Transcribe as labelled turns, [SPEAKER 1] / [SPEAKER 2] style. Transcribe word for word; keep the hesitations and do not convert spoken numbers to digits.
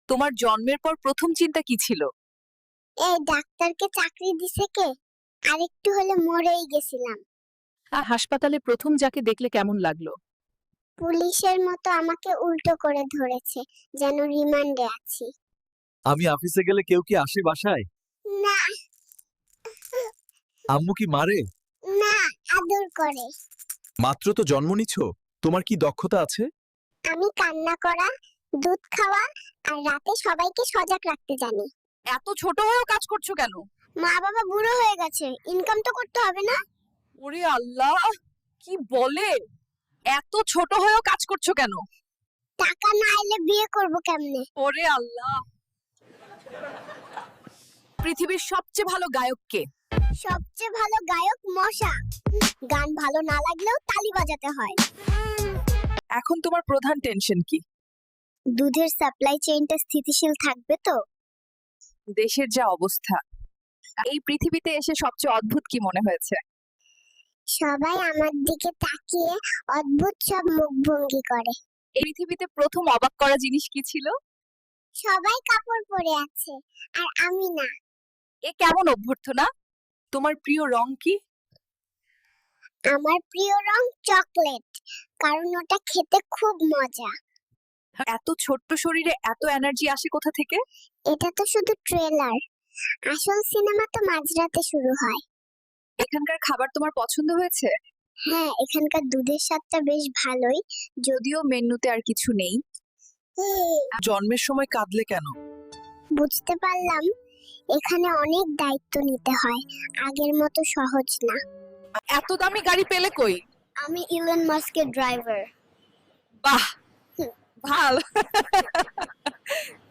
[SPEAKER 1] তোমার জন্মের পর প্রথম চিন্তা কি ছিল?
[SPEAKER 2] এই ডাক্তারকে চাকরি দিছে কে? আরেকটু হলে মরেই গেছিলাম।
[SPEAKER 1] আর হাসপাতালে প্রথম যাকে দেখলে কেমন লাগলো?
[SPEAKER 2] পুলিশের মতো আমাকে উল্টো করে ধরেছে, যেন রিমান্ডে আছি।
[SPEAKER 3] আমি অফিসে গেলে কেউ কি আসে বাসায়?
[SPEAKER 2] না
[SPEAKER 3] আম্মু কি মারে?
[SPEAKER 2] না, আদর করে।
[SPEAKER 3] মাত্র তো জন্ম নিছ, তোমার কি দক্ষতা আছে?
[SPEAKER 2] আমি কান্না করা, দুধ খাওয়া আর রাতে সবাইকে সজাগ রাখতে জানি।
[SPEAKER 1] এত ছোট হয়েও কাজ করছো কেন?
[SPEAKER 2] মা বাবা বুড়ো হয়ে গেছে, ইনকাম তো করতে হবে না?
[SPEAKER 1] ওরে আল্লাহ, কি বলে! এত ছোট হয়েও কাজ করছো কেন?
[SPEAKER 2] টাকা না এলে বিয়ে করব কেমনে?
[SPEAKER 1] ওরে আল্লাহ! পৃথিবীর সবচেয়ে ভালো গায়ক কে?
[SPEAKER 2] সবচেয়ে ভালো গায়ক মশা। গান ভালো না লাগলেও তালি বাজাতে হয়।
[SPEAKER 1] এখন তোমার প্রধান টেনশন কি?
[SPEAKER 2] দুধের সাপ্লাই চেইনটা স্থিতিশীল থাকবে তো?
[SPEAKER 1] দেশের যা অবস্থা, এই পৃথিবীতে এসে সবচেয়ে অদ্ভুত কি মনে হয়েছে?
[SPEAKER 2] সবাই আমার দিকে তাকিয়ে অদ্ভুত সব মুখভঙ্গি করে।
[SPEAKER 1] এই পৃথিবীতে প্রথম অবাক করা জিনিস কি ছিল?
[SPEAKER 2] সবাই কাপড় পরে আছে আর আমি না।
[SPEAKER 1] এ কেমন অভ্যর্থনা? তোমার প্রিয় রং কি?
[SPEAKER 2] আমার প্রিয় রং চকলেট, কারণ ওটা খেতে খুব মজা।
[SPEAKER 1] এত ছোট্ট শরীরে এত এনার্জি আসে কোথা থেকে?
[SPEAKER 2] এটা তো শুধু ট্রেলার, আসল সিনেমা তো মাঝরাতে শুরু হয়।
[SPEAKER 1] এখানকার খাবার তোমার পছন্দ হয়েছে?
[SPEAKER 2] হ্যাঁ, এখানকার দুধের স্বাদটা বেশ ভালোই।
[SPEAKER 1] যদিও মেন্যুতে আর কিছু নেই। জন্মের সময় কাঁদলে কেন?
[SPEAKER 2] বুঝতে পারলাম এখানে অনেক দায়িত্ব নিতে হয়, আগের মতো সহজ না।
[SPEAKER 1] এত দামি গাড়ি পেলে কই?
[SPEAKER 2] আমি ইলন মাস্কের ড্রাইভার।
[SPEAKER 1] বাহ, ভাল।